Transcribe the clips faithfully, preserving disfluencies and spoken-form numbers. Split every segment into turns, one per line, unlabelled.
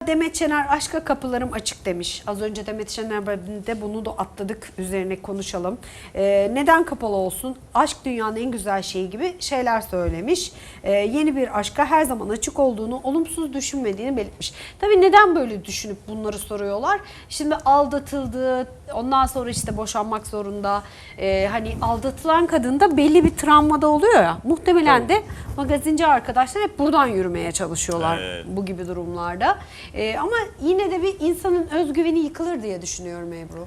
Demet Şener aşka kapılarım açık demiş. Az önce Demet Şener de bunu da atladık, üzerine konuşalım. Ee, neden kapalı olsun? Aşk dünyanın en güzel şeyi gibi şeyler söylemiş. Ee, yeni bir aşka her zaman açık olduğunu, olumsuz düşünmediğini belirtmiş. Tabii neden böyle düşünüp bunları soruyorlar? Şimdi aldatıldı, ondan sonra işte boşanmak zorunda. Ee, hani aldatılan kadın da belli bir travmada oluyor ya. Muhtemelen
Tabii.
de magazinci arkadaşlar hep buradan yürümeye çalışıyorlar
Evet.
bu gibi durumlarda. Ee, ama yine de bir insanın özgüveni yıkılır diye düşünüyorum Ebru.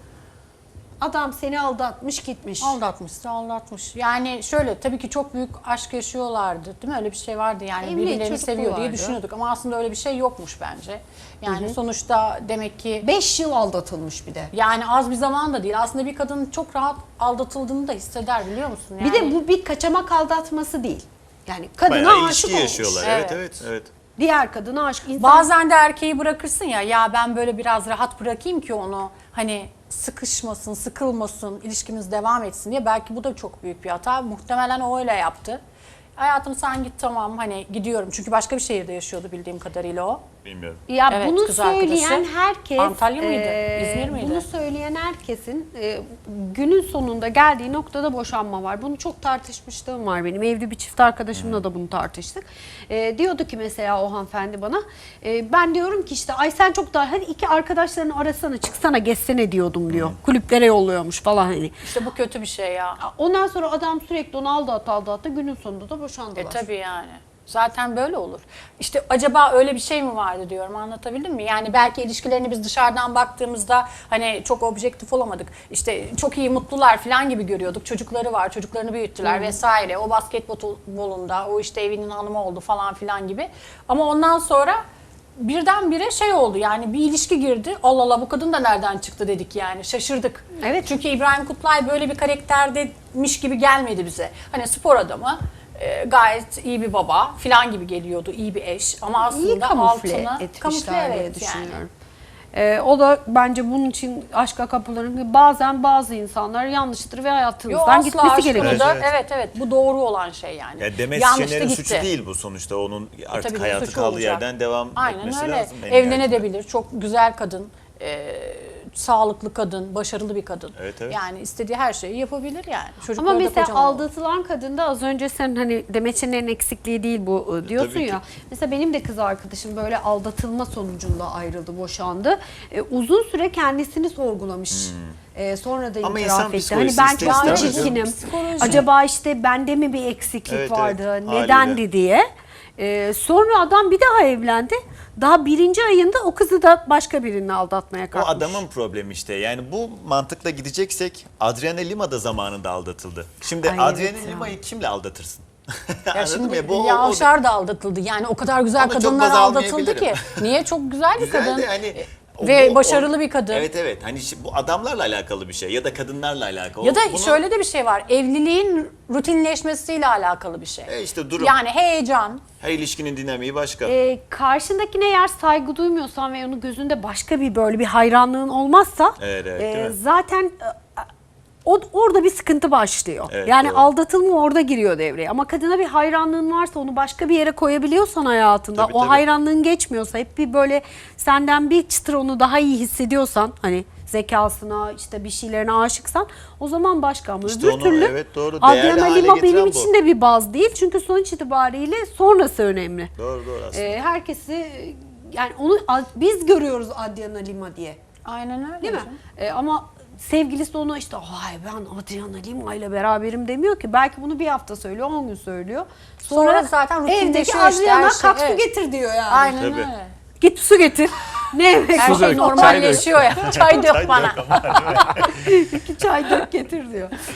Adam seni aldatmış gitmiş.
Aldatmışsa aldatmış. Yani şöyle tabii ki çok büyük aşk yaşıyorlardı değil mi? Öyle bir şey vardı yani
Evli,
birilerini
çocuklu
seviyor diye
vardı.
düşünüyorduk ama aslında öyle bir şey yokmuş bence. Yani sonuçta demek ki
Beş yıl aldatılmış bir de.
yani az bir zaman da değil. Aslında bir kadın çok rahat aldatıldığını da hisseder biliyor musun? Yani,
Bir de bu bir kaçamak aldatması değil. Yani kadına
Bayağı
aşık
ilişki
olmuş.
yaşıyorlar.
Evet.
Evet evet evet.
Diğer kadına aşık. İnsan
Bazen de erkeği bırakırsın ya, ya ben böyle biraz rahat bırakayım ki onu hani sıkışmasın, sıkılmasın, ilişkimiz devam etsin diye. Belki bu da çok büyük bir hata. Muhtemelen o öyle yaptı. Hayatım sen git tamam hani gidiyorum. Çünkü başka bir şehirde yaşıyordu bildiğim kadarıyla o.
Bilmiyorum.
Ya
Evet,
bunu
kız
söyleyen
arkadaşı.
herkes,
Antalya mıydı?
e,
İzmir miydi?
Bunu söyleyen herkesin e, günün sonunda geldiği noktada boşanma var. Bunu çok tartışmışlığım var benim. Evli bir çift arkadaşımla da bunu tartıştık. E, diyordu ki mesela o hanımefendi bana, e, ben diyorum ki işte ay sen çok daha hadi iki arkadaşlarını arasana çıksana gezsene diyordum diyor. Kulüplere yolluyormuş falan hani.
İşte bu kötü bir şey ya.
Ondan sonra adam sürekli onu aldat aldattı. Günün sonunda da boşandılar.
E tabii yani. Zaten böyle olur. İşte acaba öyle bir şey mi vardı diyorum, anlatabildim mi? Yani belki ilişkilerini biz dışarıdan baktığımızda hani çok objektif olamadık. İşte çok iyi mutlular falan gibi görüyorduk. Çocukları var, çocuklarını büyüttüler vesaire. O basketbolunda, o işte evinin hanımı oldu falan filan gibi. Ama ondan sonra birdenbire şey oldu yani bir ilişki girdi. Allah Allah bu kadın da nereden çıktı dedik yani şaşırdık.
Evet.
Çünkü İbrahim Kutlay böyle bir karakterdeymiş gibi gelmedi bize. Hani spor adamı, e, gayet iyi bir baba falan gibi geliyordu, iyi bir eş ama aslında
İyi kamufle
altına
etmişler diye
evet
düşünüyorum.
yani.
Ee, o da bence bunun için aşka kapıların bazen bazı insanlar yanlıştır ve
Yo,
hayatınızdan
asla
gitmesi
aşkını
gerekir.
da,
Evet,
evet.
evet.
evet bu doğru olan şey yani.
Ya Demet
Yanlış da
Şener'in
gitti.
suçu değil bu sonuçta. Onun artık
Tabii bir
hayatı
suçu
kaldığı
olacak.
yerden devam
Aynen
etmesi
öyle.
lazım. en nihayetinde.
Evlenebilir. Çok güzel kadın. e, sağlıklı kadın, başarılı bir kadın.
Evet, evet.
Yani istediği her şeyi yapabilir yani.
Ama
Çocukları da
mesela
kocaman oldu.
aldatılan kadında az önce sen hani Demet Şener'in eksikliği değil bu e, diyorsun
tabii ki.
ya. Mesela benim de kız arkadaşım böyle aldatılma sonucunda ayrıldı, boşandı. E, uzun süre kendisini sorgulamış. E, sonra da
Ama insan
itiraf etti. Hani
psikolojisi
ben çok
ister
mu
istemez
çirkinim?
Psikoloji.
Acaba işte bende mi bir eksiklik
Evet,
vardı?
evet,
Nedendi
haliyle.
diye. E, sonra adam bir daha evlendi. Daha birinci ayında o kızı da başka birini aldatmaya
O
kalkmış.
adamın problemi işte. Yani bu mantıkla gideceksek Adriana Lima da zamanında aldatıldı. Şimdi
Ay,
Adriana
evet ya.
Lima'yı kimle aldatırsın?
Ya
Anladın
şimdi
mı? Bu, o-
Hülya
o da-
Avşar da aldatıldı. Yani o kadar güzel
Ona çok
kadınlar
baz
aldatıldı ki.
almayabilirim.
Niye? Çok güzel bir
Güzel
kadın.
de hani o-
Ve
bu-
başarılı
o-
bir kadın.
Evet evet. Hani şi- bu adamlarla alakalı bir şey ya da kadınlarla alakalı.
Ya da
Bunu-
şöyle de bir şey var. Evliliğin rutinleşmesiyle alakalı bir şey.
E işte durum.
Yani heyecan.
Her ilişkinin dinamiği başka.
E, karşındakine eğer saygı duymuyorsan ve onun gözünde başka bir böyle bir hayranlığın olmazsa
Evet, evet,
e,
değil mi?
zaten e, o, orada bir sıkıntı başlıyor.
Evet,
yani
doğru.
aldatılma orada giriyor devreye. Ama kadına bir hayranlığın varsa onu başka bir yere koyabiliyorsan hayatında
Tabii,
o
tabii.
hayranlığın geçmiyorsa hep bir böyle senden bir çıtır onu daha iyi hissediyorsan hani zekasına işte bir şeylerine aşıksan o zaman başka ama
İşte
öbür
onu,
türlü
evet, doğru, değerli
Adriana
hale
Lima
getiren
benim
bu.
için de bir baz değil. Çünkü sonuç itibariyle sonrası önemli.
Doğru doğru aslında.
Ee, herkesi yani onu biz görüyoruz Adriana Lima diye.
Aynen öyle.
Değil mi?
canım.
Ee, ama sevgilisi de ona işte ay ben Adriana Lima ile beraberim demiyor ki. Belki bunu bir hafta söylüyor, on gün söylüyor. Sonra,
Sonra zaten
evdeki
rutinleşiyor işte
Adriana
her şey,
kalk su
evet.
getir diyor yani.
Aynen
Tabii.
öyle.
Git su getir. Ne yemek
Her
var?
şey
dök,
normalleşiyor ya. Çay dök bana.
İki çay dök getir diyor.